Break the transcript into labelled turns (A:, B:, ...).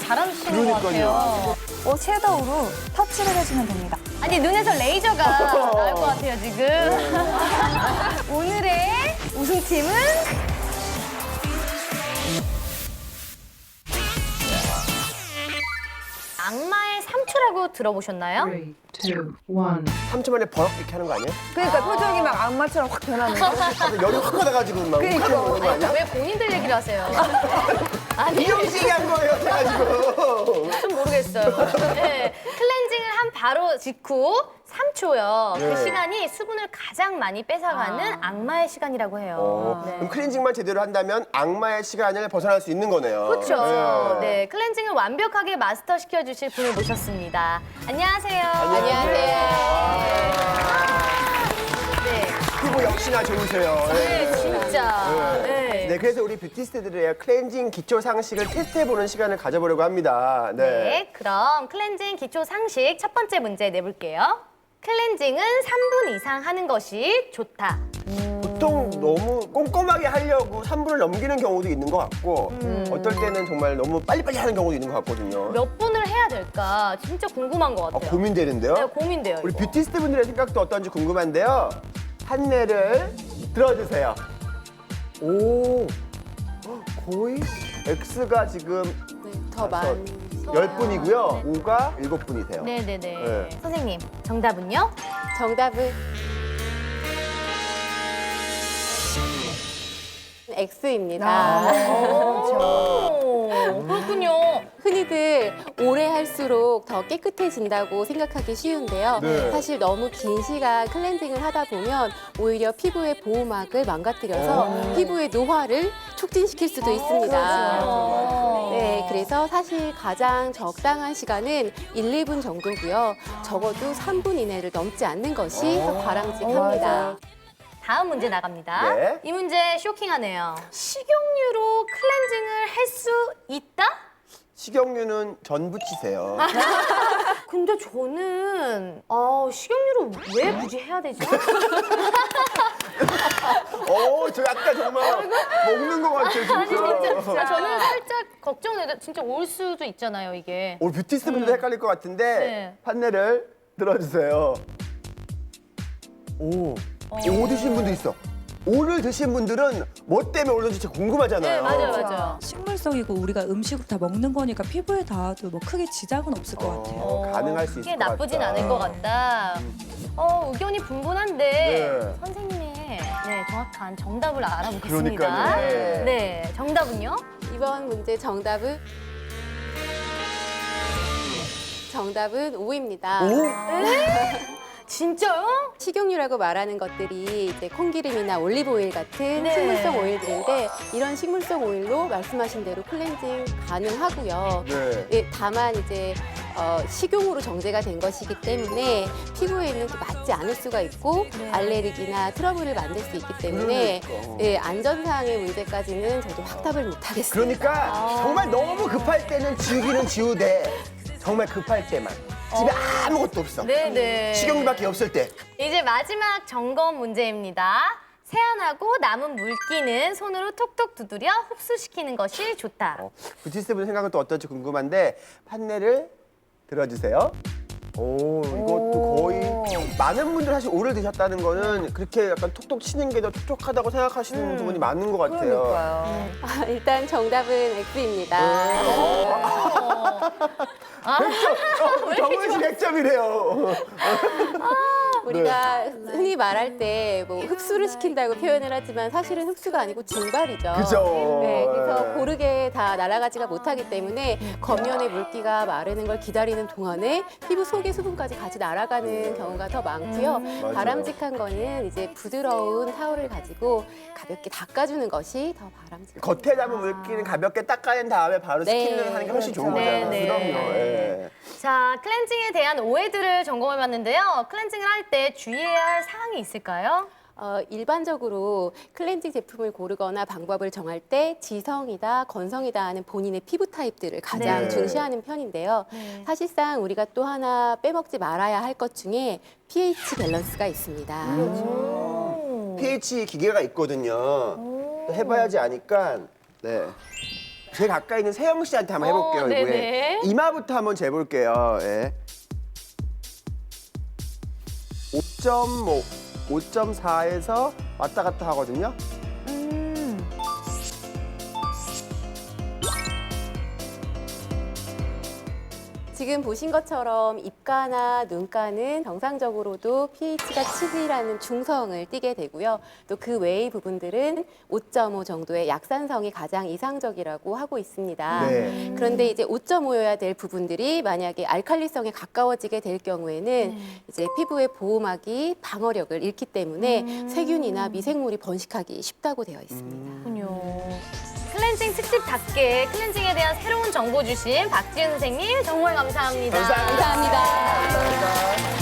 A: 잘하시는 것 같아요.
B: 섀도우로 터치를 해주면 됩니다.
A: 아니, 눈에서 레이저가 나올 것 같아요, 지금. 오늘의 우승팀은 악마의 3초라고 들어보셨나요?
C: 3, 2, 1.
D: 3초 만에 버럭 이렇게 하는 거 아니에요?
B: 그러니까 표정이 막 악마처럼 확 변하는 거.
D: 열이 확 받아가지고 막
B: 그러니까.
D: 욱하는 거 아니야?
A: 왜 본인들 얘기를 하세요? 아니,
D: 이형식이 한 거예요, 해가지고.
A: 좀 모르겠어요. 네, 클렌징을 한 바로 직후 3초요.
D: 네.
A: 그 시간이 수분을 가장 많이 뺏어가는 악마의 시간이라고 해요. 네.
D: 그럼 클렌징만 제대로 한다면 악마의 시간을 벗어날 수 있는 거네요.
A: 그렇죠. 네, 클렌징을 완벽하게 마스터 시켜주실 분을 모셨습니다. 안녕하세요. 네,
D: 피부 역시나 좋으세요.
A: 네, 진짜. 네.
D: 네, 그래서 우리 뷰티스트들의 클렌징 기초 상식을 테스트해보는 시간을 가져보려고 합니다.
A: 네, 그럼 클렌징 기초 상식 첫 번째 문제 내볼게요. 클렌징은 3분 이상 하는 것이 좋다.
D: 보통 너무 꼼꼼하게 하려고 3분을 넘기는 경우도 있는 것 같고 어떨 때는 정말 너무 빨리빨리 하는 경우도 있는 것 같거든요.
A: 몇 분을 해야 될까 진짜 궁금한 것 같아요.
D: 고민되는데요?
A: 네, 고민돼요.
D: 우리
A: 이거.
D: 뷰티스트 분들의 생각도 어떤지 궁금한데요. 판넬을 들어주세요. 오, 거의 X가 지금
E: 더 많이.
D: 10분이고요. O가 7분이세요.
A: 네네네.
D: 네.
A: 선생님, 정답은요?
E: 정답은 X입니다.
A: 오, 그렇군요.
E: 흔히들 오래 할수록 더 깨끗해진다고 생각하기 쉬운데요.
D: 네.
E: 사실 너무 긴 시간 클렌징을 하다 보면 오히려 피부의 보호막을 망가뜨려서 피부의 노화를 촉진시킬 수도 있습니다. 네, 그래서 사실 가장 적당한 시간은 1, 2분 정도고요. 적어도 3분 이내를 넘지 않는 것이 더 바람직합니다.
A: 다음 문제 나갑니다.
D: 네.
A: 이 문제 쇼킹하네요. 식용유로 클렌징을 할 수 있다?
D: 식용유는 전 부치세요.
A: 근데 저는 식용유로 왜 굳이 해야 되지?
D: 저 약간 정말 먹는 것 같아요, 진짜.
A: 아니 진짜 저는 살짝 걱정돼요. 진짜 올 수도 있잖아요, 이게.
D: 오늘 뷰티스트 분들 헷갈릴 것 같은데
A: 네.
D: 판넬을 들어주세요. 오 드신 분도 있어. 오를 드신 분들은 뭐 때문에 오는지 진짜 궁금하잖아요.
A: 네, 맞아요.
F: 식물성이고 우리가 음식을 다 먹는 거니까 피부에 닿아도 뭐 크게 지장은 없을 것 같아요.
D: 가능할 수 있을
A: 크게
D: 것 같다.
A: 나쁘진 않을 것 같다. 의견이 분분한데
D: 네.
A: 선생님의 정확한 정답을 알아보겠습니다.
D: 그러니까요.
A: 네, 정답은요?
E: 이번 문제 정답은 O입니다.
A: 진짜요?
E: 식용유라고 말하는 것들이 이제 콩기름이나 올리브오일 같은
A: 네.
E: 식물성 오일들인데 이런 식물성 오일로 말씀하신 대로 클렌징 가능하고요.
D: 네.
E: 예, 다만 이제 식용으로 정제가 된 것이기 때문에 피부에는 또 맞지 않을 수가 있고 알레르기나 트러블을 만들 수 있기 때문에
D: 그러니까.
E: 예, 안전사항의 문제까지는 저도 확답을 못하겠습니다.
D: 그러니까 정말 너무 급할 때는 지우기는 지우되 정말 급할 때만 집에 아무것도 없어.
A: 네네.
D: 식용유밖에 없을 때.
A: 이제 마지막 점검 문제입니다. 세안하고 남은 물기는 손으로 톡톡 두드려 흡수시키는 것이 좋다.
D: 뷰티스트 분 생각은 또 어떨지 궁금한데 판넬을 들어주세요. 이것도 거의 많은 분들 사실 오를 드셨다는 거는 그렇게 약간 톡톡 치는 게 더 촉촉하다고 생각하시는 부분이 많은 것 같아요.
E: 일단 정답은 X입니다.
D: 정은 씨 100점이래요.
E: 우리가 흔히 말할 때 뭐 흡수를 시킨다고 표현을 하지만 사실은 흡수가 아니고 증발이죠.
D: 그죠.
E: 네, 그래서 고르게 다 날아가지가 못하기 때문에 겉면의 물기가 마르는 걸 기다리는 동안에 피부 속의 수분까지 같이 날아가는 경우가 더 많고요.
D: 맞아요.
E: 바람직한 거는 이제 부드러운 타올을 가지고 가볍게 닦아주는 것이 더 바람직합니다.
D: 겉에 남은 물기는 가볍게 닦아낸 다음에 바로
E: 네,
D: 스킨을 하는 게 훨씬 좋은
E: 그렇죠.
D: 거잖아요.
A: 네, 네.
D: 그럼요. 예.
A: 자, 클렌징에 대한 오해들을 점검해봤는데요. 클렌징을 할 때 주의해야 할 사항이 있을까요?
E: 일반적으로 클렌징 제품을 고르거나 방법을 정할 때 지성이다, 건성이다 하는 본인의 피부 타입들을 가장
D: 네.
E: 중시하는 편인데요. 사실상 우리가 또 하나 빼먹지 말아야 할 것 중에 pH 밸런스가 있습니다.
D: pH 기계가 있거든요. 또 해봐야지 아니까. 네. 제일 가까이 있는 세영 씨한테 한번 해볼게요.
A: 네네.
D: 이번에. 이마부터 한번 재볼게요. 예. 5.5, 5.4에서 왔다 갔다 하거든요.
E: 지금 보신 것처럼 입가나 눈가는 정상적으로도 pH가 7이라는 중성을 띠게 되고요. 또 그 외의 부분들은 5.5 정도의 약산성이 가장 이상적이라고 하고 있습니다.
D: 네.
E: 그런데 이제 5.5여야 될 부분들이 만약에 알칼리성에 가까워지게 될 경우에는 이제 피부의 보호막이 방어력을 잃기 때문에 세균이나 미생물이 번식하기 쉽다고 되어 있습니다.
A: 그렇군요. 클렌징 특집답게 클렌징에 대한 새로운 정보 주신 박지은 선생님 정말 감사합니다.
D: 감사합니다.
E: 감사합니다.
D: 감사합니다.